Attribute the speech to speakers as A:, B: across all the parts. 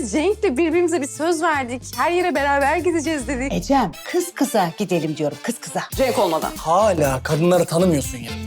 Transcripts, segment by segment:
A: biz Cenk'le birbirimize bir söz verdik. Her yere beraber gideceğiz dedik.
B: Ecem, kız kıza gidelim diyorum, kız kıza.
A: Cenk olmadan.
C: Hala kadınları tanımıyorsun ya.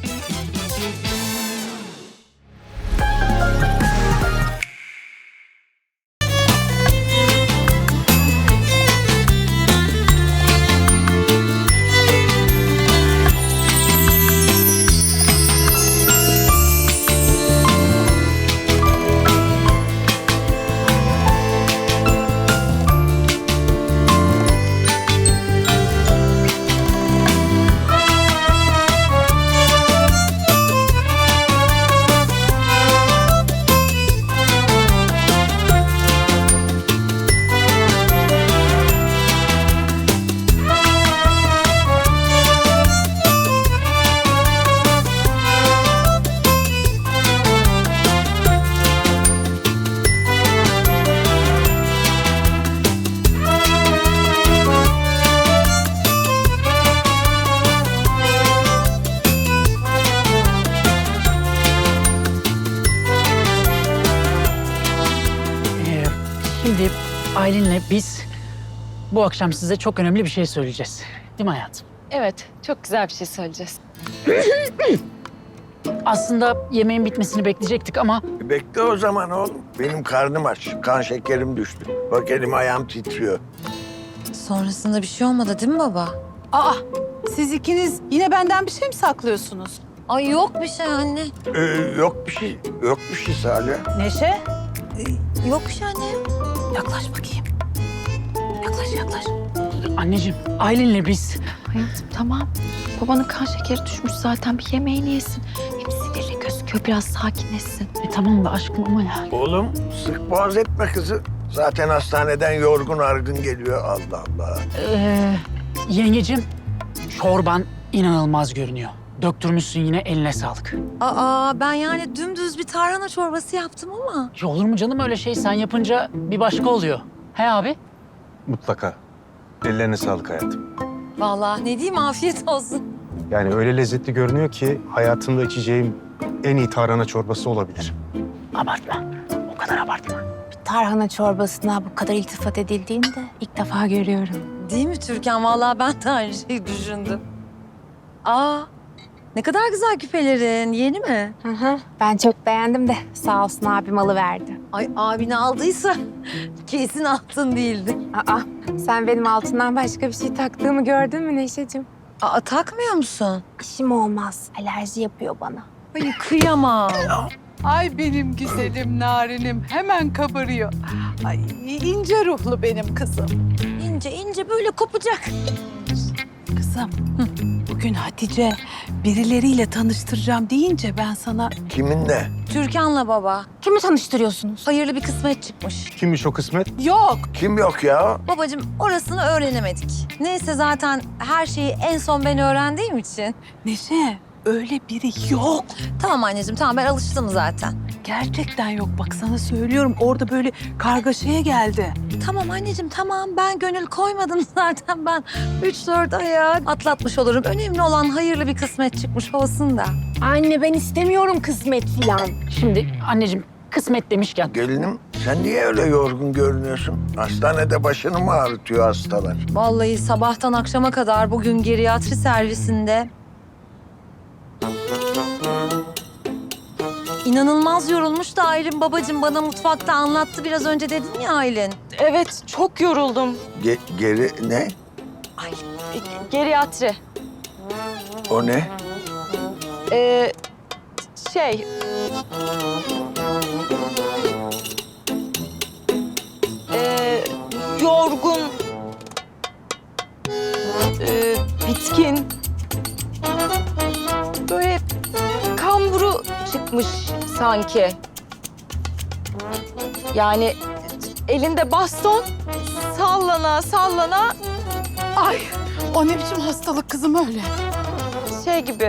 D: Şimdi Aylin'le biz bu akşam size çok önemli bir şey söyleyeceğiz. Değil mi hayatım?
E: Evet, çok güzel bir şey söyleyeceğiz.
D: Aslında yemeğin bitmesini bekleyecektik ama
F: Bekle o zaman oğlum. Benim karnım aç. Kan şekerim düştü. Bak elim ayağım titriyor.
G: Sonrasında bir şey olmadı değil mi baba?
B: Aa, siz ikiniz yine benden bir şey mi saklıyorsunuz?
G: Ay yok bir şey anne.
F: Yok bir şey. Yok bir şey Salih.
B: Neşe,
G: Yok bir şey anne.
B: yaklaş bakayım. Yaklaş.
D: anneciğim Aylin'le biz
E: Hayatım tamam. Babanın kan şekeri düşmüş zaten, bir yemeğini yesin. Hem sinirli gözüküyor, biraz sakinleşsin.
D: tamam da aşkım ama ya.
F: Oğlum sık boğaz etme kızı. Zaten hastaneden yorgun argın geliyor. Allah Allah.
D: Yengecim çorban inanılmaz görünüyor. Döktürmüşsün yine, eline sağlık.
G: Aa ben yani dümdüz bir tarhana çorbası yaptım ama.
D: Ya olur mu canım öyle şey, sen yapınca bir başka oluyor. He abi?
H: Mutlaka. Ellerine sağlık hayatım.
G: Vallahi ne diyeyim afiyet olsun.
H: Yani öyle lezzetli görünüyor ki hayatımda içeceğim en iyi tarhana çorbası olabilir.
D: Abartma. O kadar abartma.
A: Tarhana çorbasına bu kadar iltifat edildiğini de ilk defa görüyorum.
G: Değil mi Türkan? Vallahi ben de aynı şeyi düşündüm. Aa ne kadar güzel küpelerin. Yeni mi?
A: Ben çok beğendim de sağ olsun abim alıverdi.
G: Ay abini aldıysa kesin altın değildi.
A: Aa sen benim altından başka bir şey taktığımı gördün mü Neşeciğim?
G: Aa takmıyor musun?
A: İşim olmaz. Alerji yapıyor bana.
G: Ay kıyamam.
B: Ay benim güzelim narinim hemen kabarıyor. Ay ince ruhlu benim kızım.
G: İnce ince böyle kopacak.
B: Kızım, bugün Hatice birileriyle tanıştıracağım deyince ben sana...
F: Kiminle?
G: Türkan'la baba.
A: Kimi tanıştırıyorsunuz?
G: Hayırlı bir kısmet çıkmış.
H: Kimmiş o kısmet?
B: Yok,
F: Kim yok ya?
G: Babacığım orasını öğrenemedik. Neyse zaten her şeyi en son ben öğrendiğim için.
B: Neşe öyle biri yok.
G: Tamam anneciğim tamam ben alıştım zaten.
B: Gerçekten yok, bak sana söylüyorum. Orada böyle kargaşaya geldi.
G: Tamam anneciğim tamam ben gönül koymadım zaten ben 3-4 aya atlatmış olurum. Önemli olan hayırlı bir kısmet çıkmış olsun da.
A: Anne ben istemiyorum kısmet filan.
D: Şimdi anneciğim kısmet demişken
F: Gelinim sen niye öyle yorgun görünüyorsun? Hastanede başını mı ağrıtıyor hastalar?
G: Vallahi sabahtan akşama kadar bugün geriatri servisinde İnanılmaz yorulmuş da Aylin babacığım bana mutfakta anlattı biraz önce dedin ya Aylin.
E: Evet, çok yoruldum.
F: Geri ne?
E: Geriatri.
F: O ne?
E: Şey... yorgun... bitkin... Böyle kamburu çıkmış sanki. Yani elinde baston sallana sallana
B: Ay, o ne biçim hastalık kızım öyle?
E: şey gibi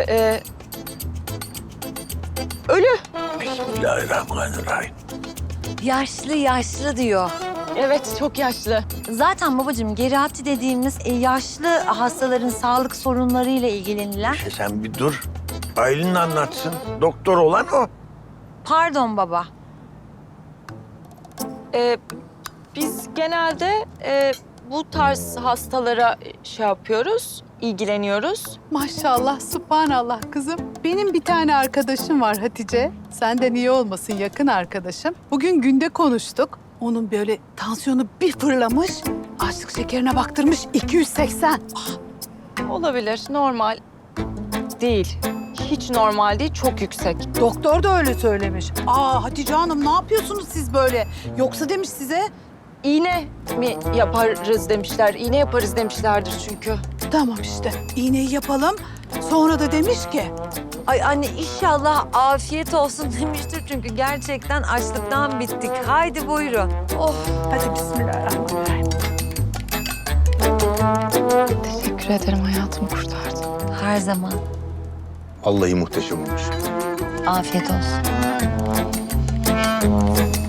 E: ölü.
F: Bismillahirrahmanirrahim.
G: Yaşlı diyor.
E: Evet, çok yaşlı.
G: Zaten babacığım geriatri dediğimiz yaşlı hastaların sağlık sorunlarıyla ilgilenilen.
F: Sen bir dur. Aylin anlatsın. Doktor olan o.
G: Pardon baba.
I: Biz genelde bu tarz hastalara şey yapıyoruz, ilgileniyoruz.
B: Maşallah, subhanallah kızım. Benim bir tane arkadaşım var Hatice. Senden iyi olmasın, yakın arkadaşım. Bugün günde konuştuk. Onun böyle tansiyonu bir fırlamış. Açlık şekerine baktırmış 280.
I: Olabilir, normal değil. Hiç normal değil, çok yüksek.
B: Doktor da öyle söylemiş. Hatice Hanım ne yapıyorsunuz siz böyle? Yoksa demiş size.
I: İğne mi yaparız demişler, iğne yaparız demişlerdir çünkü.
B: Tamam işte, iğneyi yapalım. Sonra da demiş ki,
G: Ay anne inşallah afiyet olsun demiştir çünkü gerçekten açlıktan bittik. Haydi buyurun.
B: hadi bismillahirrahmanirrahim.
E: Teşekkür ederim, hayatımı kurtardın.
G: Her zaman.
F: Vallahi muhteşem olmuş.
G: Afiyet olsun.